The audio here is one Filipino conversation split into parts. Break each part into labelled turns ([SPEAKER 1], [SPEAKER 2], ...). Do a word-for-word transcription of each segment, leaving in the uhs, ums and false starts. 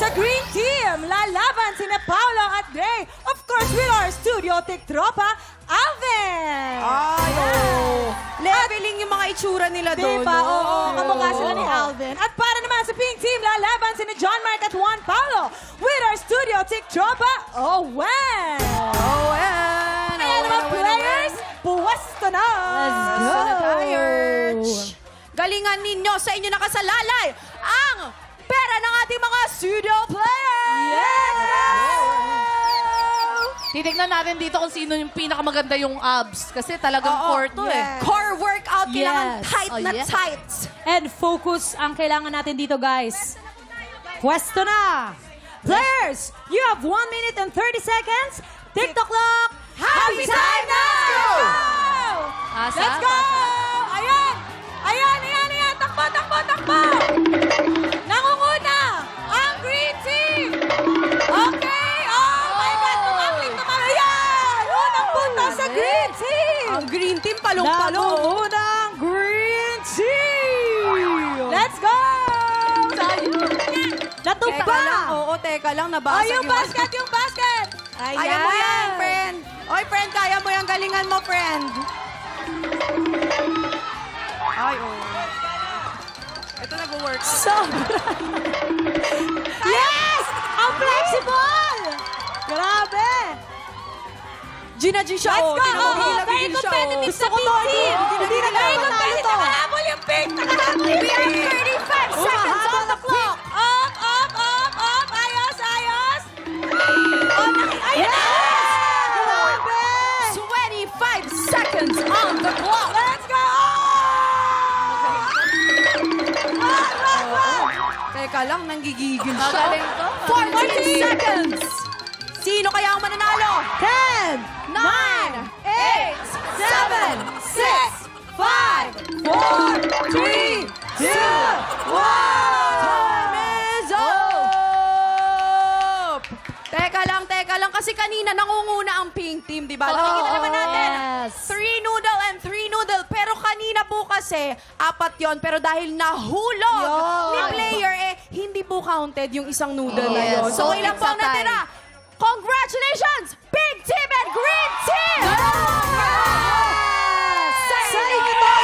[SPEAKER 1] Sa Green Team, lalaban sina Paolo at Gray. Of course, with our studio tiktropa, Alvin!
[SPEAKER 2] Ay, oh. Leveling yung mga itsura nila doon.
[SPEAKER 1] Diba? Oo, oo, kamukha sila ni
[SPEAKER 2] Oo.
[SPEAKER 1] Alvin. At para naman sa Pink Team, lalaban sina John Mark at Juan Paulo. With our studio tiktropa, Owen!
[SPEAKER 2] Owen!
[SPEAKER 1] Kaya naman, players, puwesto na!
[SPEAKER 2] Let's go! Tired. Galingan ninyo sa inyo nakasalalay ang pera ng ating mga studio players!
[SPEAKER 1] Yes!
[SPEAKER 3] Titignan natin dito kung sino yung pinakamaganda yung abs. Kasi talagang
[SPEAKER 2] Oo,
[SPEAKER 3] core to eh.
[SPEAKER 1] yes.
[SPEAKER 2] Core workout, kailangan
[SPEAKER 1] Yes.
[SPEAKER 2] tight
[SPEAKER 3] Oh,
[SPEAKER 2] na
[SPEAKER 3] yes.
[SPEAKER 2] tight.
[SPEAKER 1] And focus ang kailangan natin dito, guys. Pwesto na! Players, you have one minute and thirty seconds. TikTok clock, happy time now!
[SPEAKER 3] Asa?
[SPEAKER 1] Let's go! Ayan! Ayan, ayan, ayan! Takbo, takbo, takbo! Nangunguna ang Green Team! Okay! Oh my God! Tumapling, tumapling! Ayan! Unang punta sa Green Team!
[SPEAKER 2] Ang green team, palong-palong.
[SPEAKER 1] Nangunguna ang Green Team! Let's go! Natumba!
[SPEAKER 2] Teka lang, oo, teka lang, nabasag
[SPEAKER 1] Oh, yung basket, yung basket! Ayan!
[SPEAKER 2] Kaya mo yan, friend. Oy, friend, kaya mo yan. Galingan mo, friend. Ay, oh. Ito nag-work.
[SPEAKER 1] Sobra! Yes! Ang flexible! Grabe!
[SPEAKER 2] Gina G siya,
[SPEAKER 1] Let's
[SPEAKER 2] oh.
[SPEAKER 1] go!
[SPEAKER 2] Tinawag
[SPEAKER 1] Very
[SPEAKER 2] siya, oh.
[SPEAKER 1] competitive
[SPEAKER 2] Gusto
[SPEAKER 1] sa
[SPEAKER 2] ko
[SPEAKER 1] Pink
[SPEAKER 2] to,
[SPEAKER 1] Team!
[SPEAKER 2] no?
[SPEAKER 1] Hindi na
[SPEAKER 2] Very
[SPEAKER 1] tayo
[SPEAKER 2] competitive.
[SPEAKER 1] to! Nakahabol yung pink! Nakahabol yung
[SPEAKER 2] We
[SPEAKER 1] pink!
[SPEAKER 2] have thirty-five seconds on the clock.
[SPEAKER 1] Up, up, up, up! Ayos, ayos! Oh, naki... Ayun na! Grabe!
[SPEAKER 2] twenty-five seconds on the clock.
[SPEAKER 1] Let's go! Run, run, run!
[SPEAKER 2] Teka lang, nanggigigil siya.
[SPEAKER 3] Magaling to.
[SPEAKER 2] fourteen seconds. Sino kaya ang mananalo?
[SPEAKER 1] ten,
[SPEAKER 2] nine, eight, seven, six,
[SPEAKER 1] five, four, three, two, one!
[SPEAKER 2] Time is up! Teka lang, teka lang. Kasi kanina nangunguna ang pink team, di ba?
[SPEAKER 3] Oo,
[SPEAKER 2] Nakikita naman natin.
[SPEAKER 1] yes.
[SPEAKER 2] Three noodle and three noodle. Pero kanina po kasi, apat yon. Pero dahil nahulog
[SPEAKER 1] Yun.
[SPEAKER 2] ni player, eh, hindi po counted yung isang noodle na
[SPEAKER 3] Yes.
[SPEAKER 2] yun. So,
[SPEAKER 3] So,
[SPEAKER 2] ilan
[SPEAKER 3] it's
[SPEAKER 2] po ang
[SPEAKER 3] a tie.
[SPEAKER 2] natira? Congratulations! Pink team and green team! Sa inyo to!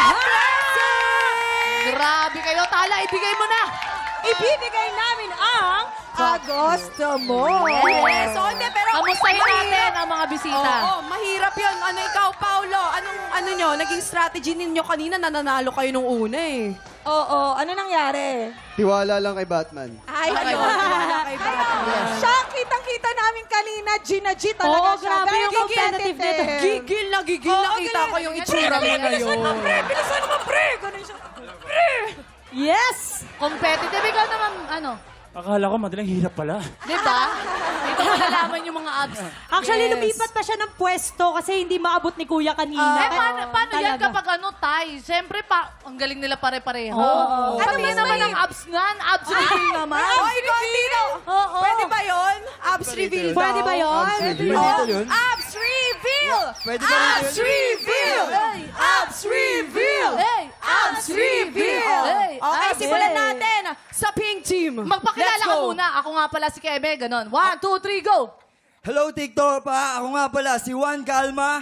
[SPEAKER 3] Grabe kayo. Tala, ibigay mo na.
[SPEAKER 1] Ibibigay namin ang Agosto mo.
[SPEAKER 2] Yes, so, hindi, pero
[SPEAKER 3] Kamustahin
[SPEAKER 2] mahirap.
[SPEAKER 3] natin ang mga bisita.
[SPEAKER 2] Oo, mahirap yun. Ano ikaw, Paolo? Anong, ano nyo, naging strategy ninyo kanina, nananalo kayo nung una eh.
[SPEAKER 1] Oo, ano nangyari?
[SPEAKER 4] Tiwala lang kay Batman.
[SPEAKER 1] Ay,
[SPEAKER 2] Ayun, wala kay Batman.
[SPEAKER 1] Siya, kitang-kita namin kanina, Gina G talaga
[SPEAKER 5] Oo,
[SPEAKER 1] siya.
[SPEAKER 5] grabe
[SPEAKER 1] Very
[SPEAKER 5] yung competitive nito.
[SPEAKER 2] Gigil na gigil,
[SPEAKER 1] Oo,
[SPEAKER 2] nakita
[SPEAKER 1] galing.
[SPEAKER 2] ko yung itsura mo na
[SPEAKER 1] Bilisan
[SPEAKER 2] yun.
[SPEAKER 1] mo, pre! Bilisan mo, pre! Ganun siya. Pre!
[SPEAKER 5] Yes!
[SPEAKER 3] Competitive. Ikaw naman, ano?
[SPEAKER 6] Akala ko madaling hirap pala.
[SPEAKER 3] Di ba? Dito malalaman yung mga abs.
[SPEAKER 5] Actually,
[SPEAKER 2] Yes.
[SPEAKER 5] lumipat pa siya ng pwesto kasi hindi maabot ni Kuya kanina.
[SPEAKER 3] eh, paano, paano yan
[SPEAKER 5] Talaga.
[SPEAKER 3] kapag ano, tie? Siyempre, pa, ang galing nila pare-pareho.
[SPEAKER 5] Oo.
[SPEAKER 3] Ano
[SPEAKER 1] Ano
[SPEAKER 3] ba
[SPEAKER 1] mas
[SPEAKER 3] naman
[SPEAKER 1] may-
[SPEAKER 3] ang abs nan? Abs reveal naman.
[SPEAKER 2] Oy, Contino!
[SPEAKER 5] Oo.
[SPEAKER 2] Pwede ba yun? Abs reveal daw.
[SPEAKER 5] Pwede ba yun?
[SPEAKER 4] Pwede
[SPEAKER 2] Oh,
[SPEAKER 4] dito yun?
[SPEAKER 2] abs reveal!
[SPEAKER 4] Pwede ba
[SPEAKER 2] Abs
[SPEAKER 4] dito yun?
[SPEAKER 2] reveal!
[SPEAKER 3] Hey,
[SPEAKER 2] Abs reveal!
[SPEAKER 3] Hey,
[SPEAKER 2] Abs reveal!
[SPEAKER 3] Hey,
[SPEAKER 2] Okay,
[SPEAKER 3] abs.
[SPEAKER 2] simulan natin sa pink team.
[SPEAKER 3] Magpakilala
[SPEAKER 2] Let's
[SPEAKER 3] ka
[SPEAKER 2] go.
[SPEAKER 3] muna. Ako nga pala si Kebe. Ganon. One, two, three, go!
[SPEAKER 4] Hello, TikTok pa. Ako nga pala, si Juan Calma.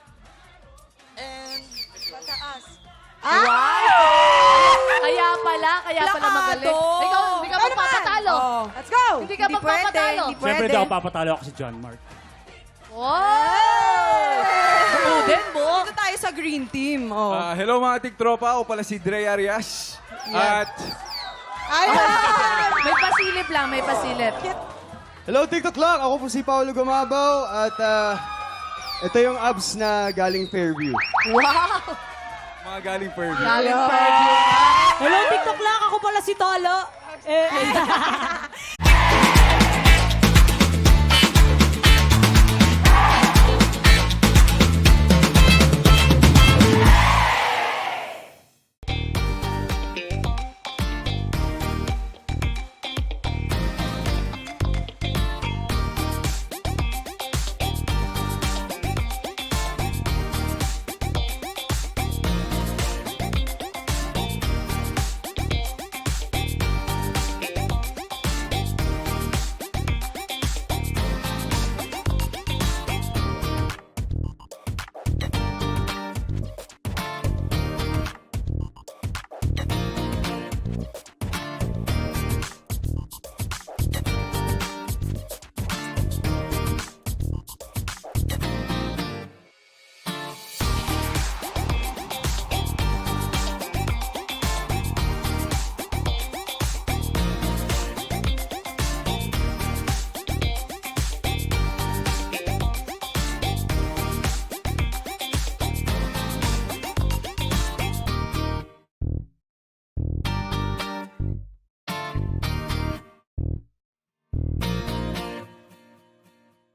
[SPEAKER 3] Kaya pala, kaya pala
[SPEAKER 2] Plakado.
[SPEAKER 3] magaling. Ikaw, hindi ka
[SPEAKER 1] Ano
[SPEAKER 3] magpapatalo.
[SPEAKER 2] Oh.
[SPEAKER 1] Let's go!
[SPEAKER 3] Hindi ka
[SPEAKER 2] Hindi pwede,
[SPEAKER 3] magpapatalo.
[SPEAKER 2] hindi
[SPEAKER 6] Siyempre
[SPEAKER 2] pwede.
[SPEAKER 6] daw papatalo ako si John Mark.
[SPEAKER 3] Wow! Uden mo.
[SPEAKER 2] Dito tayo sa green team. Oh.
[SPEAKER 7] Ah, hello mga tiktropa, ako pala si Dre Arias. At
[SPEAKER 1] Ayan!
[SPEAKER 3] May pasilip lang, may pasilip.
[SPEAKER 4] Hello, TikTok lang. Ako po si Paolo Gumabaw. At ah, ito yung abs na galing Fairview.
[SPEAKER 3] Wow!
[SPEAKER 7] mga galing Fairview.
[SPEAKER 3] Galing Fairview.
[SPEAKER 5] Hello, TikTok lang. Ako pala si Tolo. Eh,